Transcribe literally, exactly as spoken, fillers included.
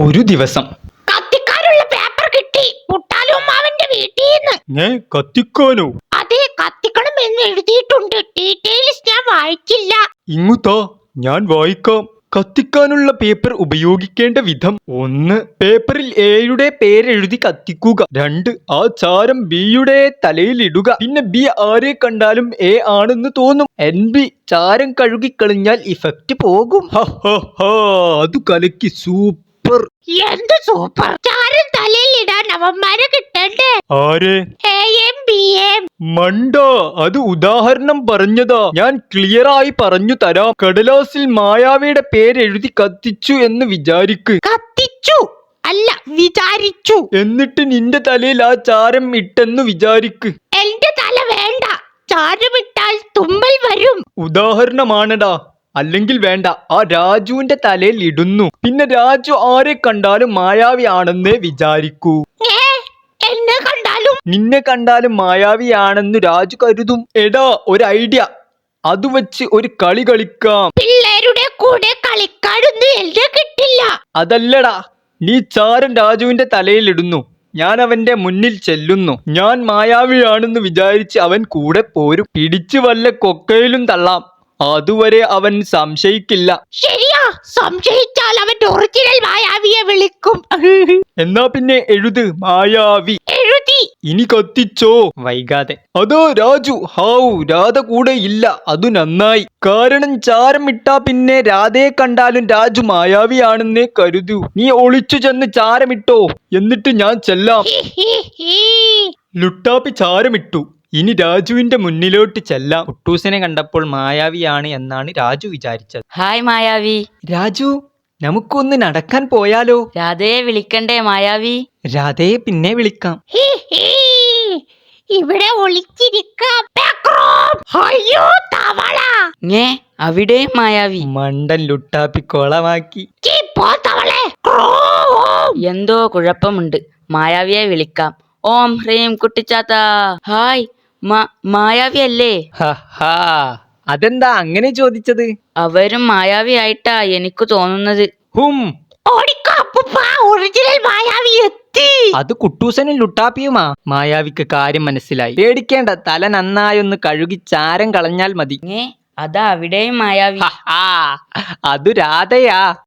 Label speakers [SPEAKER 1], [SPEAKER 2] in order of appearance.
[SPEAKER 1] ഒരു ദിവസം
[SPEAKER 2] കത്തിക്കാനുള്ള പേപ്പർ കിട്ടി പുട്ടാലുമ്മാവന്റെ വീട്ടീന്ന്.
[SPEAKER 1] ഞാൻ കത്തിക്കാനോ?
[SPEAKER 2] അതെ, കത്തിക്കണം എന്ന് എഴുതിയിട്ടുണ്ട്. ഡീറ്റെയിൽസ് ഞാൻ വായിച്ചില്ല.
[SPEAKER 1] ഇങ്ങുതാ, ഞാൻ വായിക്കാം. കത്തിക്കാനുള്ള പേപ്പർ ഉപയോഗിക്കേണ്ട വിധം: ഒന്ന്, പേപ്പറിൽ എയുടെ പേരെഴുതി കത്തിക്കുക. രണ്ട്, ആ ചാരം ബിയുടെ തലയിലിടുക. പിന്നെ ബി ആരെ കണ്ടാലും എ ആണെന്ന് തോന്നും. എൻ ബി ചാരം കഴുകിക്കളിഞ്ഞാൽ ഇഫക്റ്റ് പോകും. അത് കലക്കി, സൂപ്പർ.
[SPEAKER 2] എന്ത് സൂപ്പർ! ചാരം തലയിൽ ഇടാൻ അവന്മാരെ കിട്ടണ്ടേ?
[SPEAKER 1] ആരെ?
[SPEAKER 2] എയും ബിയും.
[SPEAKER 1] മണ്ട, അത് ഉദാഹരണം പറഞ്ഞതാ. ഞാൻ ക്ലിയർ ആയി പറഞ്ഞു തരാം. കടലാസിൽ മായാവിയുടെ പേരെഴുതി കത്തിച്ചു എന്ന് വിചാരിക്ക്.
[SPEAKER 2] കത്തിച്ചു അല്ല, വിചാരിച്ചു.
[SPEAKER 1] എന്നിട്ട് നിന്റെ തലയിൽ ആ ചാരം ഇട്ടെന്ന് വിചാരിക്ക്.
[SPEAKER 2] എന്റെ തല വേണ്ട. ചാരമിട്ടാൽ തുമ്മൽ വരും.
[SPEAKER 1] ഉദാഹരണമാണടാ. അല്ലെങ്കിൽ വേണ്ട. ആ രാജുവിന്റെ തലയിൽ ഇടുന്നു. പിന്നെ രാജു ആരെ കണ്ടാലും മായാവി ആണെന്നേ വിചാരിക്കൂ.
[SPEAKER 2] ഏ, എന്നെ കണ്ടാലും?
[SPEAKER 1] നിന്നെ കണ്ടാലും മായാവിയാണെന്ന് രാജു കരുതും. എടാ, ഒരു ഐഡിയ. അത് വെച്ച് ഒരു കളി കളിക്കാം.
[SPEAKER 2] പിള്ളേരുടെ കൂടെ കളിക്കാനൊന്നും എന്നെ കിട്ടില്ല.
[SPEAKER 1] അതല്ലടാ, നീ ചാരൻ രാജുവിന്റെ തലയിൽ ഇടുന്നു. ഞാൻ അവന്റെ മുന്നിൽ ചെല്ലുന്നു. ഞാൻ മായാവിയാണെന്ന് വിചാരിച്ച് അവൻ കൂടെ പോരും. പിടിച്ചു വല്ല കൊക്കയിലും തള്ളാം. അതുവരെ അവൻ സംശയിക്കില്ല.
[SPEAKER 2] ശരിയാ, സംശയിച്ചാൽ അവൻ ഒറിജിനൽ മായാവിയെ വിളിക്കും.
[SPEAKER 1] എന്നാ പിന്നെ എഴുത് മായാവി.
[SPEAKER 2] എഴുതി.
[SPEAKER 1] ഇനി കത്തിച്ചോ വൈകാതെ. അതോ രാജു, ഹാവു, രാധ കൂടെ ഇല്ല. അതു നന്നായി. കാരണം ചാരം ഇട്ടാ പിന്നെ രാധയെ കണ്ടാലും രാജു മായാവിയാണെന്നേ കരുതൂ. നീ ഒളിച്ചു ചെന്ന് ചാരമിട്ടോ, എന്നിട്ട് ഞാൻ ചെല്ലാം. ലുട്ടാപ്പി ചാരമിട്ടു. ഇനി രാജുവിന്റെ മുന്നിലോട്ട് ചെല്ലാം. കുട്ടൂസിനെ കണ്ടപ്പോൾ മായാവിയാണ് എന്നാണ് രാജു വിചാരിച്ചത്.
[SPEAKER 3] ഹായ് മായാവി.
[SPEAKER 1] രാജു, നമുക്കൊന്ന് നടക്കാൻ പോയാലോ?
[SPEAKER 3] രാധയെ വിളിക്കണ്ടേ മായാവി?
[SPEAKER 1] രാധയെ പിന്നെ വിളിക്കാം.
[SPEAKER 2] ഇവിടെ ഒളിച്ചിരിക്കാം. അയ്യോ, തവള!
[SPEAKER 3] ഞേ, അവിടെ മായാവി.
[SPEAKER 1] മണ്ടൻ ലുട്ടാപ്പി കൊളമാക്കി.
[SPEAKER 3] എന്തോ കുഴപ്പമുണ്ട്. മായാവിയെ വിളിക്കാം. ഓം ഹ്രീം കുട്ടിച്ചാത്ത. ഹായ്, മായാവി അല്ലേ?
[SPEAKER 1] അതെന്താ അങ്ങനെ ചോദിച്ചത്?
[SPEAKER 3] അവരും മായാവി ആയിട്ടാ എനിക്ക് തോന്നുന്നത്.
[SPEAKER 1] ഹും,
[SPEAKER 2] ഒറിജിനൽ മായാവി എത്തി.
[SPEAKER 1] അത് കുട്ടൂസനും ലുട്ടാപ്പിയുമാ. മായാവിക്ക് കാര്യം മനസ്സിലായി. പേടിക്കേണ്ട, തല നന്നായൊന്ന് കഴുകി ചാരം കളഞ്ഞാൽ മതി.
[SPEAKER 3] ഞേ, അതാ അവിടെയും മായാവി.
[SPEAKER 1] അതു രാധയാ.